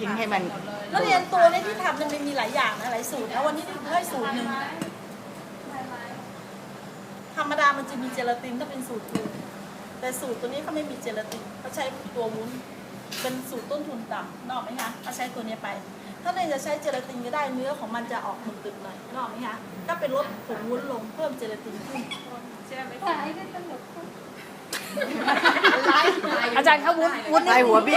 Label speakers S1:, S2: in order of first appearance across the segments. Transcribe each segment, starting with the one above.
S1: ทิ้งให้มัน
S2: แล้วเรียนตัวนี้ที่ทำมันมีหลายอย่างนะหลายสูตรนะวันนี้ที่ให้สูตรหนึ่งธรรมดามันจะมีเจลาตินถ้าเป็นสูตรตัวแต่สูตรตัวนี้เขาไม่มีเจลาตินเขาใช้ตัววุ้นเป็นสูตรต้นทุนต่ำนอกไหมคะเขาใช้ตัวนี้ไปถ้าในจะใช้เจลาตินก็ได้เนื้อของมันจะออกตึกๆหน่อยนอกไหมคะก็เป็นลดผงวุ้นลงเพิ่มเจลาตินขึ้นใช่ไหม
S3: อาจารย์เขาวุ้น
S1: ไปหัวบี้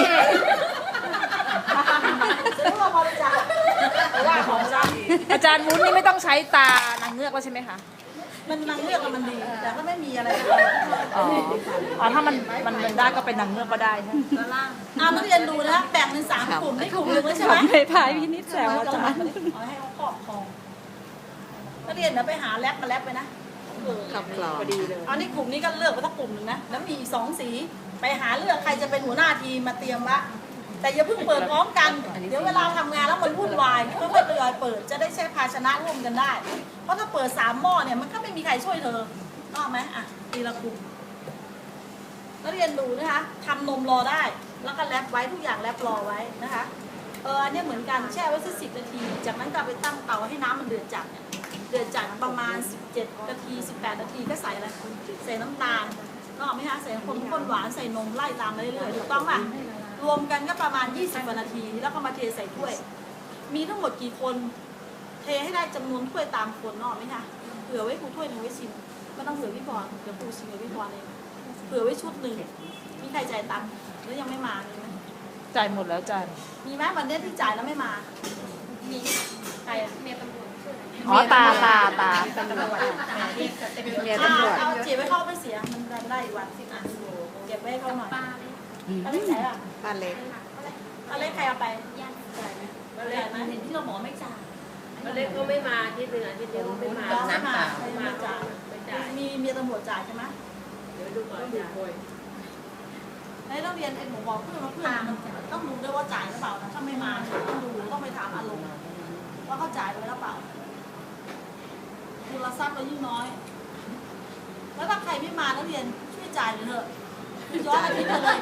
S2: จะรู้ว่าพอจะจับว่าของจ้า
S3: อาจารย์วุ้นนี่ไม่ต้องใช้ตานางเงือกแล้วใช่ไหมคะ
S2: มันนางเลือกมันดีแต่ก็ไม่มีอะไร
S3: อ๋อถ้ามันได้ก็เป็นนางเงือกก็ได้ใช่ไหม
S2: นักเรียนดูนะแบ่งเป็น3 กลุ่มได้กลุ่มหนึ่งแล้วใช่ไหม
S3: ไม่พายพี่นิดแซวอาจารย์
S2: เอาให้เขาครอบครองนักเรียนเดี๋ยวไปหาแรปมาแรปไปนะ
S1: ขับกรอง
S3: พอดีเลย
S2: เอานี่กลุ่มนี้ก็เลือกไปสักกลุ่มหนึ่งนะแล้วมีอีก2 สีไปหาเลือกใครจะเป็นหัวหน้าทีมมาเตรียมวะแต่อย่าเพิ่งเปิดพร้อมกันเดี๋ยวเวลาทำงานแล้วมันวุ่นวายค่อยๆทยอยเปิดจะได้ใช้ภาชนะร่วมกันได้เพราะถ้าเปิด3 หม้อเนี่ยมันก็ไม่มีใครช่วยเธอถูกไหมอ่ะทีละกลุ่มนักเรียนดูนะคะทำนมรอได้แล้วก็แรปไว้ทุกอย่างแรปรอไว้นะคะอันนี้เหมือนกันแช่ไว้สัก10 นาทีจากนั้นก็ไปตั้งเตาให้น้ำมันเดือดจัดเนี่ยเดือดจัดประมาณ17 นาที18 นาทีก็ใส่อะไรใส่น้ำตาลนอกไหมคะใส่ข้นหวานใส่นมไล่ตามไปเรื่อยๆถูกต้องป่ะรวมกันก็ประมาณ20 กว่านาทีแล้วก็มาเทใส่ถ้วยมีทั้งหมดกี่คนเทให้ได้จำนวนถ้วยตามคนนอกไหมคะเผื่อไว้ครูถ้วยหนึ่งไว้ชิมไม่ต้องเผื่อพี่พรเดี๋ยวครูชิมกับพี่พรเองเผื่อไว้ชุดหนึ่งมีใครจ่ายตังค์แล้วยังไม่มามีไหม
S3: จ่ายหมดแล้วอาจารย์
S2: มีไหมวันนี้ที่จ่ายแล้วไม่มามีใครอะเมียตำรวจ
S3: อ๋อตา
S1: ตำรวจเมียตำรวจ
S2: เอาเก็บไว้เข้าไม่เสียมันได้อีกวัน10 อันเก็บไว้ให้เขาหน่อยอะไรใช่อ่ะ
S1: บ้านเล็ก
S2: อะไรใครเอาไปจ่ายไหมจ่ายไหมเห็นที่เราหมอไม่จ่าย
S4: วันเล็กก็ไม่มาที่เดือนที่เดียวไม่มา
S2: น้องไม่มา
S4: น้ำเปล่า
S2: ไม่จ่าย
S4: ไม่จ่าย
S2: มีเมียตำรวจจ่ายใช่ไหม
S4: เดี๋ยวดูก่อนจ้ะ
S2: ในโรงเรียนเอ็นผมบอกเพื่อนว่าเพื่อนมันต้องดูด้วยว่าจ่ายหรือเปล่านะถ้าไม่มาต้องดูต้องไปถามอารมณ์ว่าเขาจ่ายไปแล้วเปล่าทุนทรัพย์เรายิ่งน้อย แล้วถ้าใครไม่มานักเรียนช่วยจ่ายหน่อยเถอะย้อนอาทิตย์ไปเลย